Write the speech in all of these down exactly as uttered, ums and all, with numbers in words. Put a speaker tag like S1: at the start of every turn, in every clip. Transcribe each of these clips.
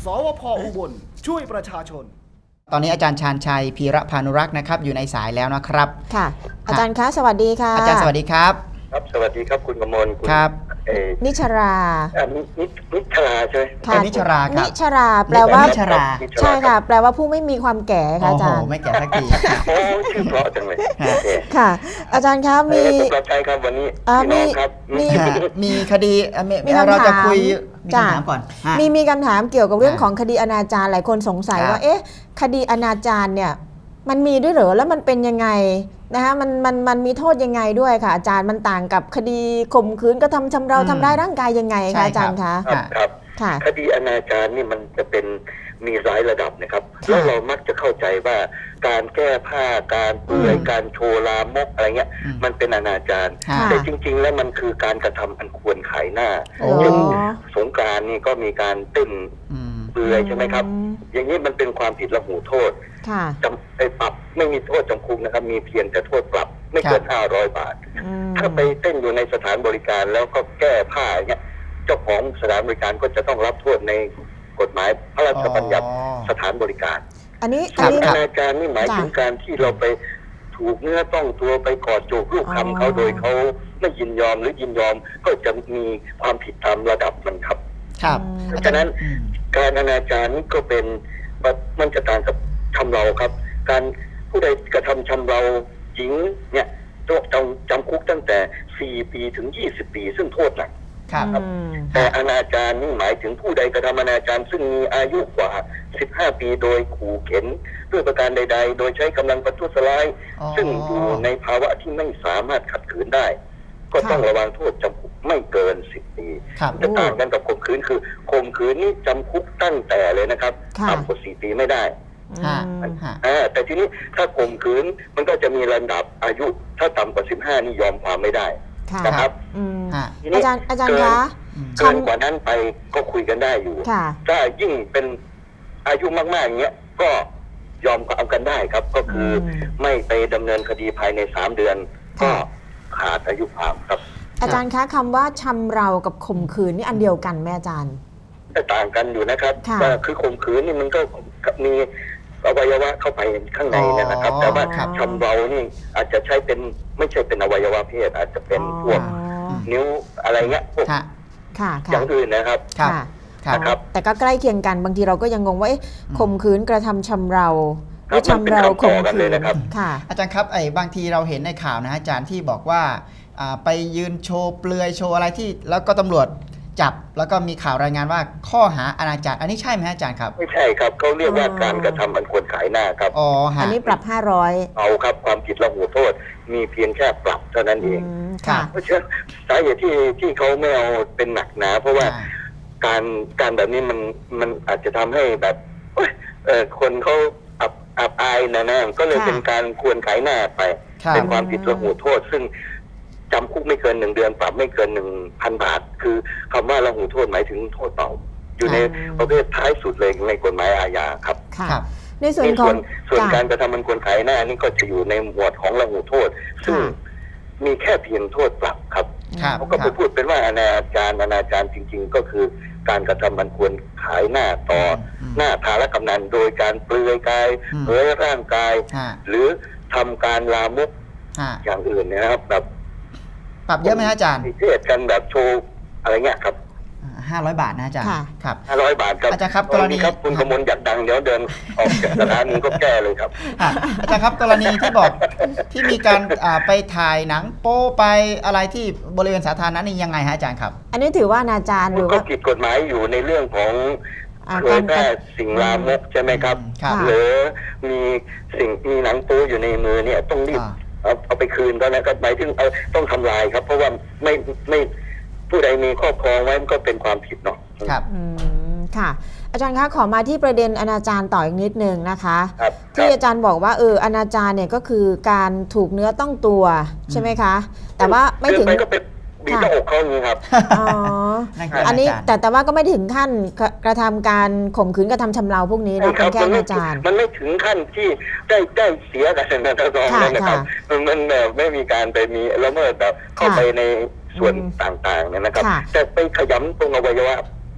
S1: สวพ.อุบลช่วยประชาชน
S2: ตอนนี้อาจารย์ชาญชัยพีระพานุรักษ์นะครับอยู่ในสายแล้วนะครับ
S3: ค่ะอาจารย์คะสวัสดีค่ะ
S2: อาจารย์สวัสดีครับ
S4: ครับสวัสดีครับคุณกมล
S2: ครับ
S3: นิชรา
S4: นินิชราใช่ไหม
S3: ค่ะ
S2: นิชราครับ
S3: นิชราแปลว่า
S2: นิชรา
S3: ใช่ค่ะแปลว่าผู้ไม่มีความแก่ค่ะอาจารย์
S2: โอ้โหไม่แก่สักที
S4: โอ้ชื่อเพราะจังเลย
S3: ค่ะอาจารย์ครับมี
S4: รับใช้ครับวันนี้
S3: มี
S2: มีมีคดีเราจะคุยมีคำถามก่อน
S3: มีมีคำถามเกี่ยวกับเรื่องของคดีอนาจารหลายคนสงสัยว่าเอ๊ะคดีอนาจารเนี่ยมันมีด้วยเหรอแล้วมันเป็นยังไงนะคะมันมันมันมีโทษยังไงด้วยค่ะอาจารย์มันต่างกับคดีข่มขืนกระทำชำเราทำร้ายร่างกายยังไงคะอาจารย์คะ
S4: ครับคดีอนาจารนี่มันจะเป็นมีหลายระดับนะครับแล้วเรามักจะเข้าใจว่าการแก้ผ้าการเปลือยการโชว์ลามกอะไรเงี้ยมันเป็นอนาจารแต่จริงๆแล้วมันคือการกระทำอันควรขายหน้าเช่นสงกรานต์นี่ก็มีการเต้นเปลือยใช่ไหมครับอย่างนี้มันเป็นความผิดละหูโทษจำไปปรับไม่มีโทษจำคุกนะครับมีเพียงแต่โทษปรับไม่เกินห้าร้อยบาทถ้าไปเต้นอยู่ในสถานบริการแล้วก็แก้ผ้าอย่างเงี้ยเจ้าของสถานบริการก็จะต้องรับโทษในกฎหมายพระราชบัญญัติสถานบริการ
S3: อันนี้
S4: อนาจารนี่หมายถึงการที่เราไปถูกเนื้อต้องตัวไปกอดจูบลูกคำเขาโดยเขาไม่ยินยอมหรือยินยอมก็จะมีความผิดตามระดับมันครับ
S2: ครับ
S4: เพราะฉะนั้นการอนาจารนี่ก็เป็นมันจะต่างกับชำเราครับการผู้ใดกระทำชำเราหญิงเนี่ยต้องจำจำคุกตั้งแต่สี่ปีถึงยี่สิบปีซึ่งโทษหนัก
S2: ครับ
S4: แต่อนาจารนี่หมายถึงผู้ใดกระทำอนาจารซึ่งมีอายุกว่าสิบห้าปีโดยขู่เข็นด้วยประการใดๆโดยใช้กำลังประทุษร้ายซึ่งอยู่ในภาวะที่ไม่สามารถขัดขืนได้ก็ต้องระวังโทษจำคุกไม่เกินสิบปีจะต่างกันกับข่มขืนคือข่มขืนนี่จำคุกตั้งแต่เลยนะครับต่ำกว่าสี่ปีไม่ได้แต่ทีนี้ถ้าข่มขืนมันก็จะมีระดับอายุถ้าต่ำกว่าสิบห้านี่ยอมความไม่ได้นะครับ
S3: อาจารย์อาจารย์คะ
S4: เกินกว่านั้นไปก็คุยกันได้อยู่ถ้ายิ่งเป็นอายุมากๆอย่างเงี้ยก็ยอมความกันได้ครับก็คือไม่ไปดำเนินคดีภายในสามเดือนก็ขาดอายุความครับ
S3: อาจารย์คะคำว่าชำเรากับข่มขืนนี่อันเดียวกันไหมอาจารย์
S4: ต่างกันอยู่นะครับว่าคือข่มขืนนี่มันก็มีอวัยวะเข้าไปข้างในนะครับแต่ว่าชำเรานี่อาจจะใช้เป็นไม่ใช่เป็นอวัยวะเพศอาจจะเป็นพวกนิ้วอะไรเงี้ยพวกอย่างอื่นนะครับ
S3: ครับแต่ก็ใกล้เคียงกันบางทีเราก็ยังงงว่าข่มขืนกระทำชำเราหรือชำเราข่มขืน
S2: ค่ะอาจารย์ครับไอ้บางทีเราเห็นในข่าวนะอาจารย์ที่บอกว่าไปยืนโชว์เปลือยโชว์อะไรที่แล้วก็ตำรวจจับแล้วก็มีข่าวรายงานว่าข้อหาอนาจารอันนี้ใช่ไหมอาจารย์ครับ
S4: ไม่ใช่ครับเขาเรียกว่าการกระทำอันควรขายหน้าครับ
S2: อ๋อ
S3: อันนี้ปรับห้าร้อย
S4: เอาครับความผิดละหูโทษมีเพียงแค่ปรับเท่านั้นเองเพราะฉะนั้นสาเหตุที่ที่เขาไม่เอาเป็นหนักหนาเพราะว่าการการแบบนี้มันมันอาจจะทำให้แบบเออคนเขาอับอับอายนะนะก็เลยเป็นการควรขายหน้าไปเป็นความผิดละหูโทษซึ่งจำคุกไม่เกินหนึ่งเดือนปรับไม่เกินหนึ่งพันบาทคือคำว่าละหูโทษหมายถึงโทษเบาอยู่ในประเภทท้ายสุดเลยในกฎหมายอาญาครับ
S3: ในส่วนของ
S4: ส่วนการกระทำมันควรขายหน้านี่ก็จะอยู่ในหมวดของละหูโทษซึ่งมีแค่เพียงโทษปรับครับเขาก็ไปพูดเป็นว่าอนาจารอนาจารจริงๆก็คือการกระทำมันควรขายหน้าต่อหน้าทารกำนันโดยการเปลือยกายเผยร่างกายหรือทำการลามกอย่างอื่นนะครับแบบ
S2: ปรับเยอะไหมอาจารย์
S4: เทศกันแบบโชว์อะไรเงี้ยครับ
S2: ห้าร้อยบาทนะอาจารย์
S4: ครับห้าร้อยบาทครับ
S2: อาจารย์ครับกรณี
S4: ครับคุณกมลอยากดังเดี๋ยวเดินออกจากสถานีก็แก้เลยครับ
S2: อาจารย์ครับกรณีที่บอกที่มีการไปถ่ายหนังโป๊ไปอะไรที่บริเวณสาธารณะนี่ยังไงฮะอาจารย์ครับ
S3: อันนี้ถือว่าอนาจารหรือ
S4: ว่าก็ผิดกฎหมายอยู่ในเรื่องของเผยแพร่สิ่งลามกใช่ไหมครับหรือมีสิ่งมีหนังโป๊อยู่ในมือเนี่ยต้องรีบเอาเอาไปคืนก็แล้วก็หมายถึงเอาต้องทำลายครับเพราะว่าไม่ไม่ผู้ใดมีครอบครองไว้มันก็เป็นความผิดเนาะ
S2: ครับ
S3: อืมค่ะอาจารย์คะขอมาที่ประเด็นอนาจารต่ออีกนิดนึงนะคะที่อาจารย์บอกว่าเอออนาจารเนี่ยก็คือการถูกเนื้อต้องตัวใช่ไหมคะแต่ว่าไม่ถึง
S4: ก็เป็นมีหน้าอกเขาอย่างนี้ครับ
S3: อ๋ออันนี้แต่แต่ว่าก็ไม่ถึงขั้นกระทำการข่มขืนกระทำชำเราพวกนี้นะเป็นแค่อนาจาร
S4: มันไม่ถึงขั้นที่ได้ได้เสียกันนะท่านรองนะครับมันแบบไม่มีการไปมีละเมิดแบบเข้าไปในส่วนต่างๆเนี่ยนะครับแต่ไปขยำตรงอวัยวะเพ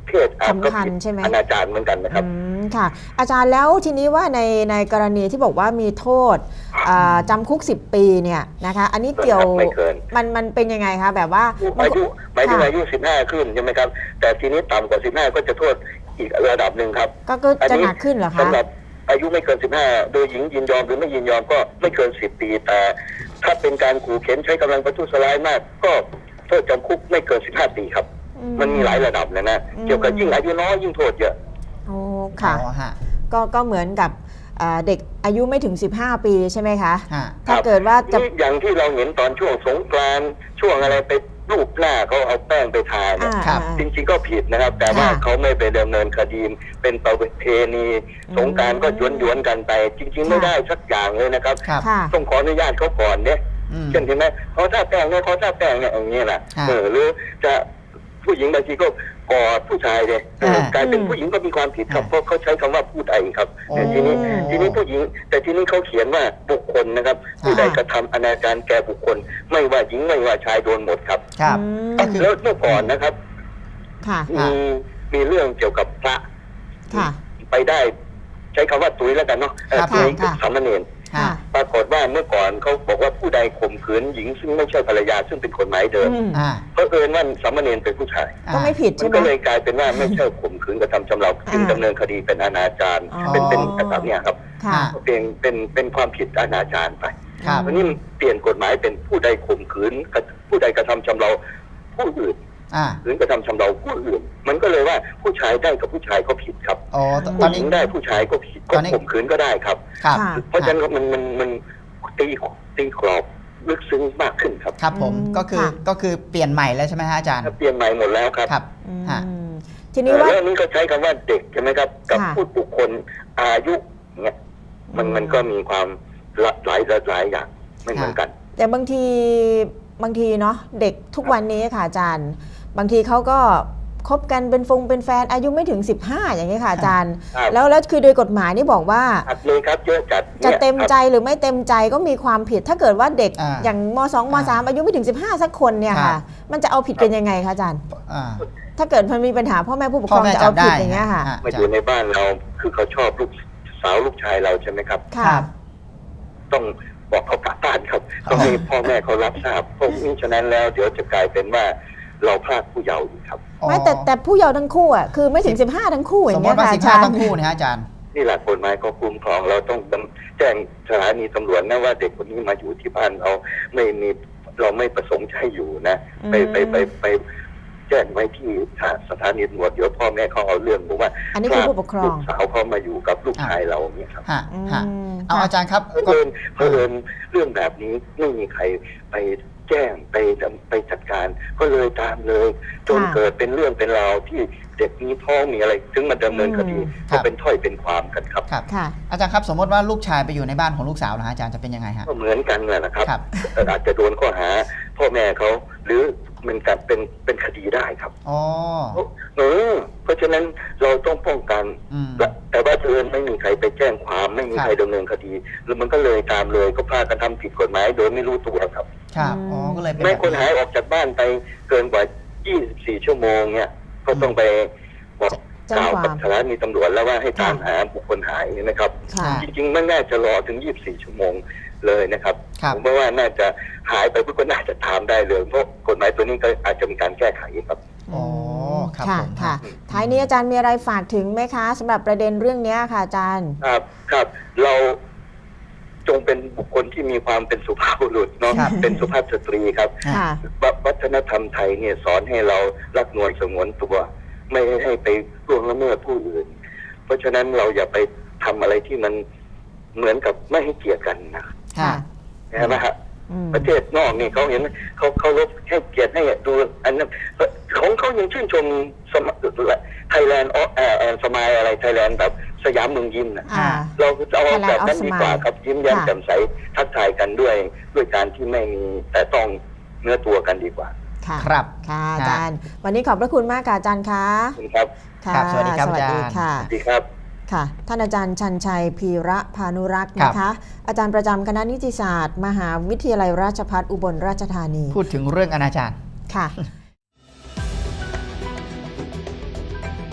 S4: เพศอาจก็
S3: สำคัญ
S4: ผิด
S3: ใช่ไหม
S4: อนาจารเหมือนกันนะครับ
S3: อืมค่ะ อาจารย์แล้วทีนี้ว่าในในกรณีที่บอกว่ามีโทษอ่าจำคุกสิบปีเนี่ยนะคะ อันนี้เกี่ยว
S4: ไม่เกิน
S3: มันมันเป็นยังไงคะแบบว่า
S4: อายุหมายถึง
S3: ค่ะ
S4: อายุสิบห้าขึ้นใช่ไหมครับ แต่ทีนี้ต่ำกว่าสิบห้าก็จะโทษอีกระดับหนึ่งครับ
S3: ก็ก็จะหนักขึ้นเหรอคะ
S4: สำหรับอายุไม่เกินสิบห้าโดยหญิงยินยอมหรือไม่ยินยอมก็ไม่เกินสิบปี แต่ถ้าเป็นการขู่เข็นใช้กำลังประทุษร้ายมาก ก็โทษจำคุกไม่เกินสิบห้าปีครับ
S3: อื
S4: มันมีหลายระดับเลยนะ
S3: อืม
S4: เกี่ยวกับยิ่งอายุน้อยยิ่งโทษเยอะ
S3: โอ้ค่ะ
S2: อ๋อฮะ
S3: ก็ก็เหมือนกับอ่าเด็กอายุไม่ถึงสิบห้าปีใช่ไหมคะ
S2: ฮะ
S3: ถ้าเกิดว่าจะ
S4: นี่อย่างที่เราเห็นตอนช่วงสงกรานต์ช่วงอะไรไปรูปหน้าเขาเอาแป้งไปทาเนี่ย
S3: อ่า
S2: ครับ
S3: อ่า
S4: จริงๆก็ผิดนะครับ แต่ว่า
S3: ค่ะ
S4: เขาไม่ไปดำเนินคดีเป็นประเพณี
S3: อืม
S4: สงกรานต์ก็หยวนๆกันไป จริง ๆ ไม่
S3: ค่ะ
S4: ได้สักอย่างเลยนะครับ
S2: ครับ
S3: ค่ะ
S4: ต้องขออนุญาตเขาก่อนเนี่ย
S2: อืม
S4: เช่นเห็นไหมเขาท่าแป้งเนี่ยเขาท่าแป้งเนี่ยอย่างนี้แหละ
S2: ค่ะ
S4: เออหรือจะผู้หญิงบางทีก็กอดผู้ชายเนี่ยเออ
S2: อ่าก
S4: ลายเป็น
S3: อืม
S4: ผู้หญิงก็มีความผิดครับ
S2: อ่า
S4: เพราะเขาใช้คำว่าผู้ใดครับ
S2: โอ้
S4: แต่ทีนี้ทีนี้ผู้หญิง แต่ทีนี้เขาเขียนว่าบุคคลนะครับ ผู้ใด
S3: ค่ะ
S4: กระทำอนาจารแก่บุคคล ไม่ว่าหญิงไม่ว่าชายโดนหมดครับ
S2: ครับ
S3: อืม
S2: ก็คือ
S4: แล้วเมื่อก่อนนะครับ
S3: ค่ะ
S4: มีมีเรื่องเกี่ยวกับพระ
S3: ค่ะ
S4: ไปได้ใช้คำว่าตุยแล้วกันเนาะเออ
S2: ครับ
S4: ตุย
S3: ค่ะ
S4: สามเณร
S2: ฮะ
S4: ปรากฏว่าเมื่อก่อนเขาบอกว่าผู้ใดข่มขืนหญิงซึ่งไม่ใช่ภรรยาซึ่งเป็นกฎหมายเดิม
S3: อืม
S2: อ่า
S4: เพราะเอิญว่าสามเณรเป็นผู้ชาย
S3: ก็ไม่ผิด
S4: มั
S3: ใช่
S4: น
S3: ไหม
S4: ก็เลยกลายเป็นว่าไม่ใช่ข่มขืนกระทำชำเราจึง
S3: อ่า
S4: ดำเนินคดีเป็นอนาจาร
S3: อ๋อ
S4: เป็นเป็นแบบเนี้ยครับ
S3: ค่ะ
S4: เป็นเป็นเป็นความผิดอนาจารไป
S2: ครับ
S4: วันนี้เปลี่ยนกฎหมายเป็นผู้ใดข่มขืนกระผู้ใดกระทำชำเราผู้อื่น
S2: อ่า
S4: ขืนกระทำชำเราผู้อื่น มันก็เลยว่าผู้ชายได้กับผู้ชายก็ผิดครับ
S2: อ๋อตตอ
S4: ผู้
S2: น
S4: หญิ
S2: นี้
S4: งได้ผู้ชายก็ผิด
S2: ต
S4: ก็
S2: อนนี้
S4: ข่มขืนก็ได้ครับ
S2: ครับ
S3: ค่ะ
S4: เพราะฉะนั้นมันมันมันตีตีกรอบลึกซึ้งมากขึ้นครับ
S2: ครับผม
S3: อืม
S2: ก็คือ
S3: ค่ะ
S2: ก็คือเปลี่ยนใหม่แล้วใช่ไหมฮะอาจารย์
S4: เปลี่ยนใหม่หมดแล้วครับ
S2: ครับ
S3: อืม
S2: ฮะ
S3: ทีนี้ว่า
S4: แล้วนี้ก็ใช้คำว่าเด็กใช่ไหมครับ กับ
S3: ค่ะ
S4: ผู้บุคคลอายุเนี่ยมัน
S3: อืม
S4: มันก็มีความหลายหลายหลายอย่างไม่เหมือนกัน
S3: แต่บางทีบางทีเนาะเด็กทุกวันนี้ค่ะอาจารย์ บางทีเขาก็คบกันเป็นฟงเป็นแฟนอายุไม่ถึงสิบห้าอย่างนี้ยค่ะอาจารย์
S4: ครับ
S3: แล้วแล้วคือโดยกฎหมายนี่บอกว่า
S4: อัดเลยครับเยอะจัด
S3: จะ
S4: นี่ย
S3: เต็ม
S4: ครับ
S3: ใจหรือไม่เต็มใจก็มีความผิด ถ้าเกิดว่าเด็ก
S2: อ่า
S3: อย่างมสองมสามอายุไม่ถึงสิบห้าสักคนเนี่ย
S2: ครั
S3: ค่ะ
S2: บ
S3: มันจะเอาผิดกันยังไงคะอาจารย์
S2: อ่า
S3: ถ้าเกิดมันมีปัญหาพ่อแม่ผู้ปกค
S2: พ่
S3: ร
S2: อ
S3: อง
S2: แม่
S3: จะเอา
S2: จำได้
S3: ผิดอย่างเงี้ยค่ะ
S2: ฮะ
S4: มาอยู่ในบ้านเราคือเขาชอบลูกสาวลูกชายเราใช่ไหมครับ
S3: ค่ะ
S2: ครับ
S4: ต้องบอกเขากลับบ้านครับต้องให้พ่อแม่เขารับทราบเพราะมิฉะนั้นแล้วเดี๋ยวจะกลายเป็นว่าเราพลาดผู้เยาว์อีกครับ
S3: ไม่แต่แต่ผู้เยาว์ทั้งคู่อ่ะคือไม่ถึงสิบห้าทั้งคู่อ
S2: สม
S3: ย่าง
S2: ม
S3: เงี้ย
S2: ติว่า
S3: ค่ะ
S2: สิบ
S3: อา
S2: ห้า
S3: จาร
S2: ทั้
S3: ย์
S2: งคู่นะฮะอาจารย์
S4: นี่แหละกฎหมายก็คุ้มครองเราต้องแจ้งสถานีตำรวจนะว่าเด็กคนนี้มาอยู่ที่บ้านเราไม่มีเราไม่ประสงค์จะให้อยู่นะ ไปไปไปไปแจ้งไว้ที่สถานีตำรวจเดี๋ยวพ่อแม่เขาเอาเรื่องบอกว่า
S3: อันนี้คือผู้ปกครอง
S4: ลูกสาวเขามาอยู่กับลูกชายเราเนี่ยครับ
S2: ฮะ
S3: อืม
S2: ฮะเอาอาจารย์ครับ
S4: เพ
S2: ก็
S4: อิญเผอิญเรื่องแบบนี้ไม่มีใครไปแจ้งไปไปจัดการ ก็เลยตามเลย จน
S3: ค่ะ
S4: เกิดเป็นเรื่องเป็นราวที่เด็กมีท้องมีอะไร ถึงมาดำเนินคดี
S3: อืม
S4: ก็เป็นถ้อยเป็นความกันครับ
S2: ครับ
S3: ค่ะ
S2: อาจารย์ครับสมมติว่าลูกชายไปอยู่ในบ้านของลูกสาวนะฮะอาจารย์จะเป็นยังไงฮะ
S4: ก็เหมือนกันแหละนะครับ
S2: ครับ
S4: แต่อาจจะโดนข้อหาพ่อแม่เขาหรือมันการเป็นเป็นคดีได้ครับ
S2: อ๋อ
S4: เออเพราะฉะนั้นเราต้องป้องกัน
S2: อืม
S4: และแต่ว่าเอิญไม่มีใครไปแจ้งความไม่มี
S2: ครับ
S4: ใครดำเนินคดีแล้วมันก็เลยตามเลยก็พากันทำผิดกฎหมายโดยไม่รู้ตัวครับ
S2: ครับ
S3: อืม
S2: อ๋อก็เลยเป็น
S4: แม่
S2: แบบ
S4: คนหายออกจากบ้านไปเกินกว่า ยี่สิบสี่ ชั่วโมงเนี่ยก็ต้องไปบอก
S3: แจ้
S4: ก
S3: ง
S4: ล่าว
S3: ความ
S4: กับสถานีตำรวจแล้วว่าให้ตาม
S3: ค่ะ
S4: หาบุคคลหายเนี่ยนะครับ
S3: ค่ะ
S2: อ่า
S4: จริงๆไม่น่าจะรอถึง ยี่สิบสี่ ชั่วโมงเลยนะครับ
S2: ครับ
S4: ผมว่าน่าจะหายไปเพื่อก็น่าจะตามได้เลยเพราะกฎหมายตัวนี้ก็อาจจะมีการแก้ไขครับ
S2: อ๋อครับ
S3: ค่ะ
S2: ผม
S3: ค่ะ ท้ายนี้อาจารย์มีอะไรฝากถึงไหมคะสำหรับประเด็นเรื่องนี้ค่ะอาจารย์
S4: ครับครับเราจงเป็นบุคคลที่มีความเป็นสุภาพบุรุษเนาะ
S2: ครับ
S4: เป็นสุภาพสตรีครับ
S3: ค่ะ
S4: ววัฒนธรรมไทยเนี่ยสอนให้เรารักนวลสงวนตัว ไม่ให้ไปล่วงละเมิดผู้อื่น เพราะฉะนั้นเราอย่าไปทำอะไรที่มันเหมือนกับไม่ให้เกียรติกันนะ
S2: ค่ะ
S4: ใช่ไหมฮะ
S3: อืม
S4: ประเทศนอกนี่เขาเห็นเขาเขาลบให้เกียรติให้ดูอันนั้นของเขายังชื่นชมไทยแลนด์เอ่อสมายอะไรไทยแลนด์แบบสยามเมืองยิ้มนะ
S3: อ่า
S4: เราเอา
S3: Thailand
S4: แบบนั้น
S3: of
S4: ดีกว่า
S3: Smile
S4: ครับยิ้มแย้ม
S3: ค่ะ
S4: แจ่มใสทักทายกันด้วยด้วยการที่ไม่มีแต่ต้องเนื้อตัวกันดีกว่า
S3: ค่ะ
S2: ครับ
S3: ค่ะอาจารย์ วันนี้ขอบพระคุณมากค่ะอาจารย์คะ
S4: ขอบคุณครับ
S3: ค่ะ
S2: ครับสวัสดีครับ
S3: สวัสดี
S2: อาจารย์
S3: ค่ะ
S4: สวัสดีครับ
S3: ค่ะ ท่านอาจารย์ชันชัยพีระพานุรักษ์
S2: ครับ
S3: นะคะ อาจารย์ประจำคณะนิติศาสตร์ มหาวิทยาลัยราชภัฏอุบลราชธานี
S2: พูดถึงเรื่องอนาจาร
S3: ค่ะ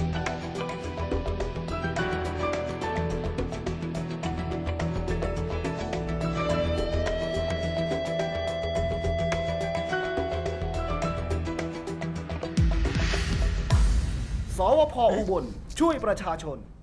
S1: สวพอุบลช่วยประชาชน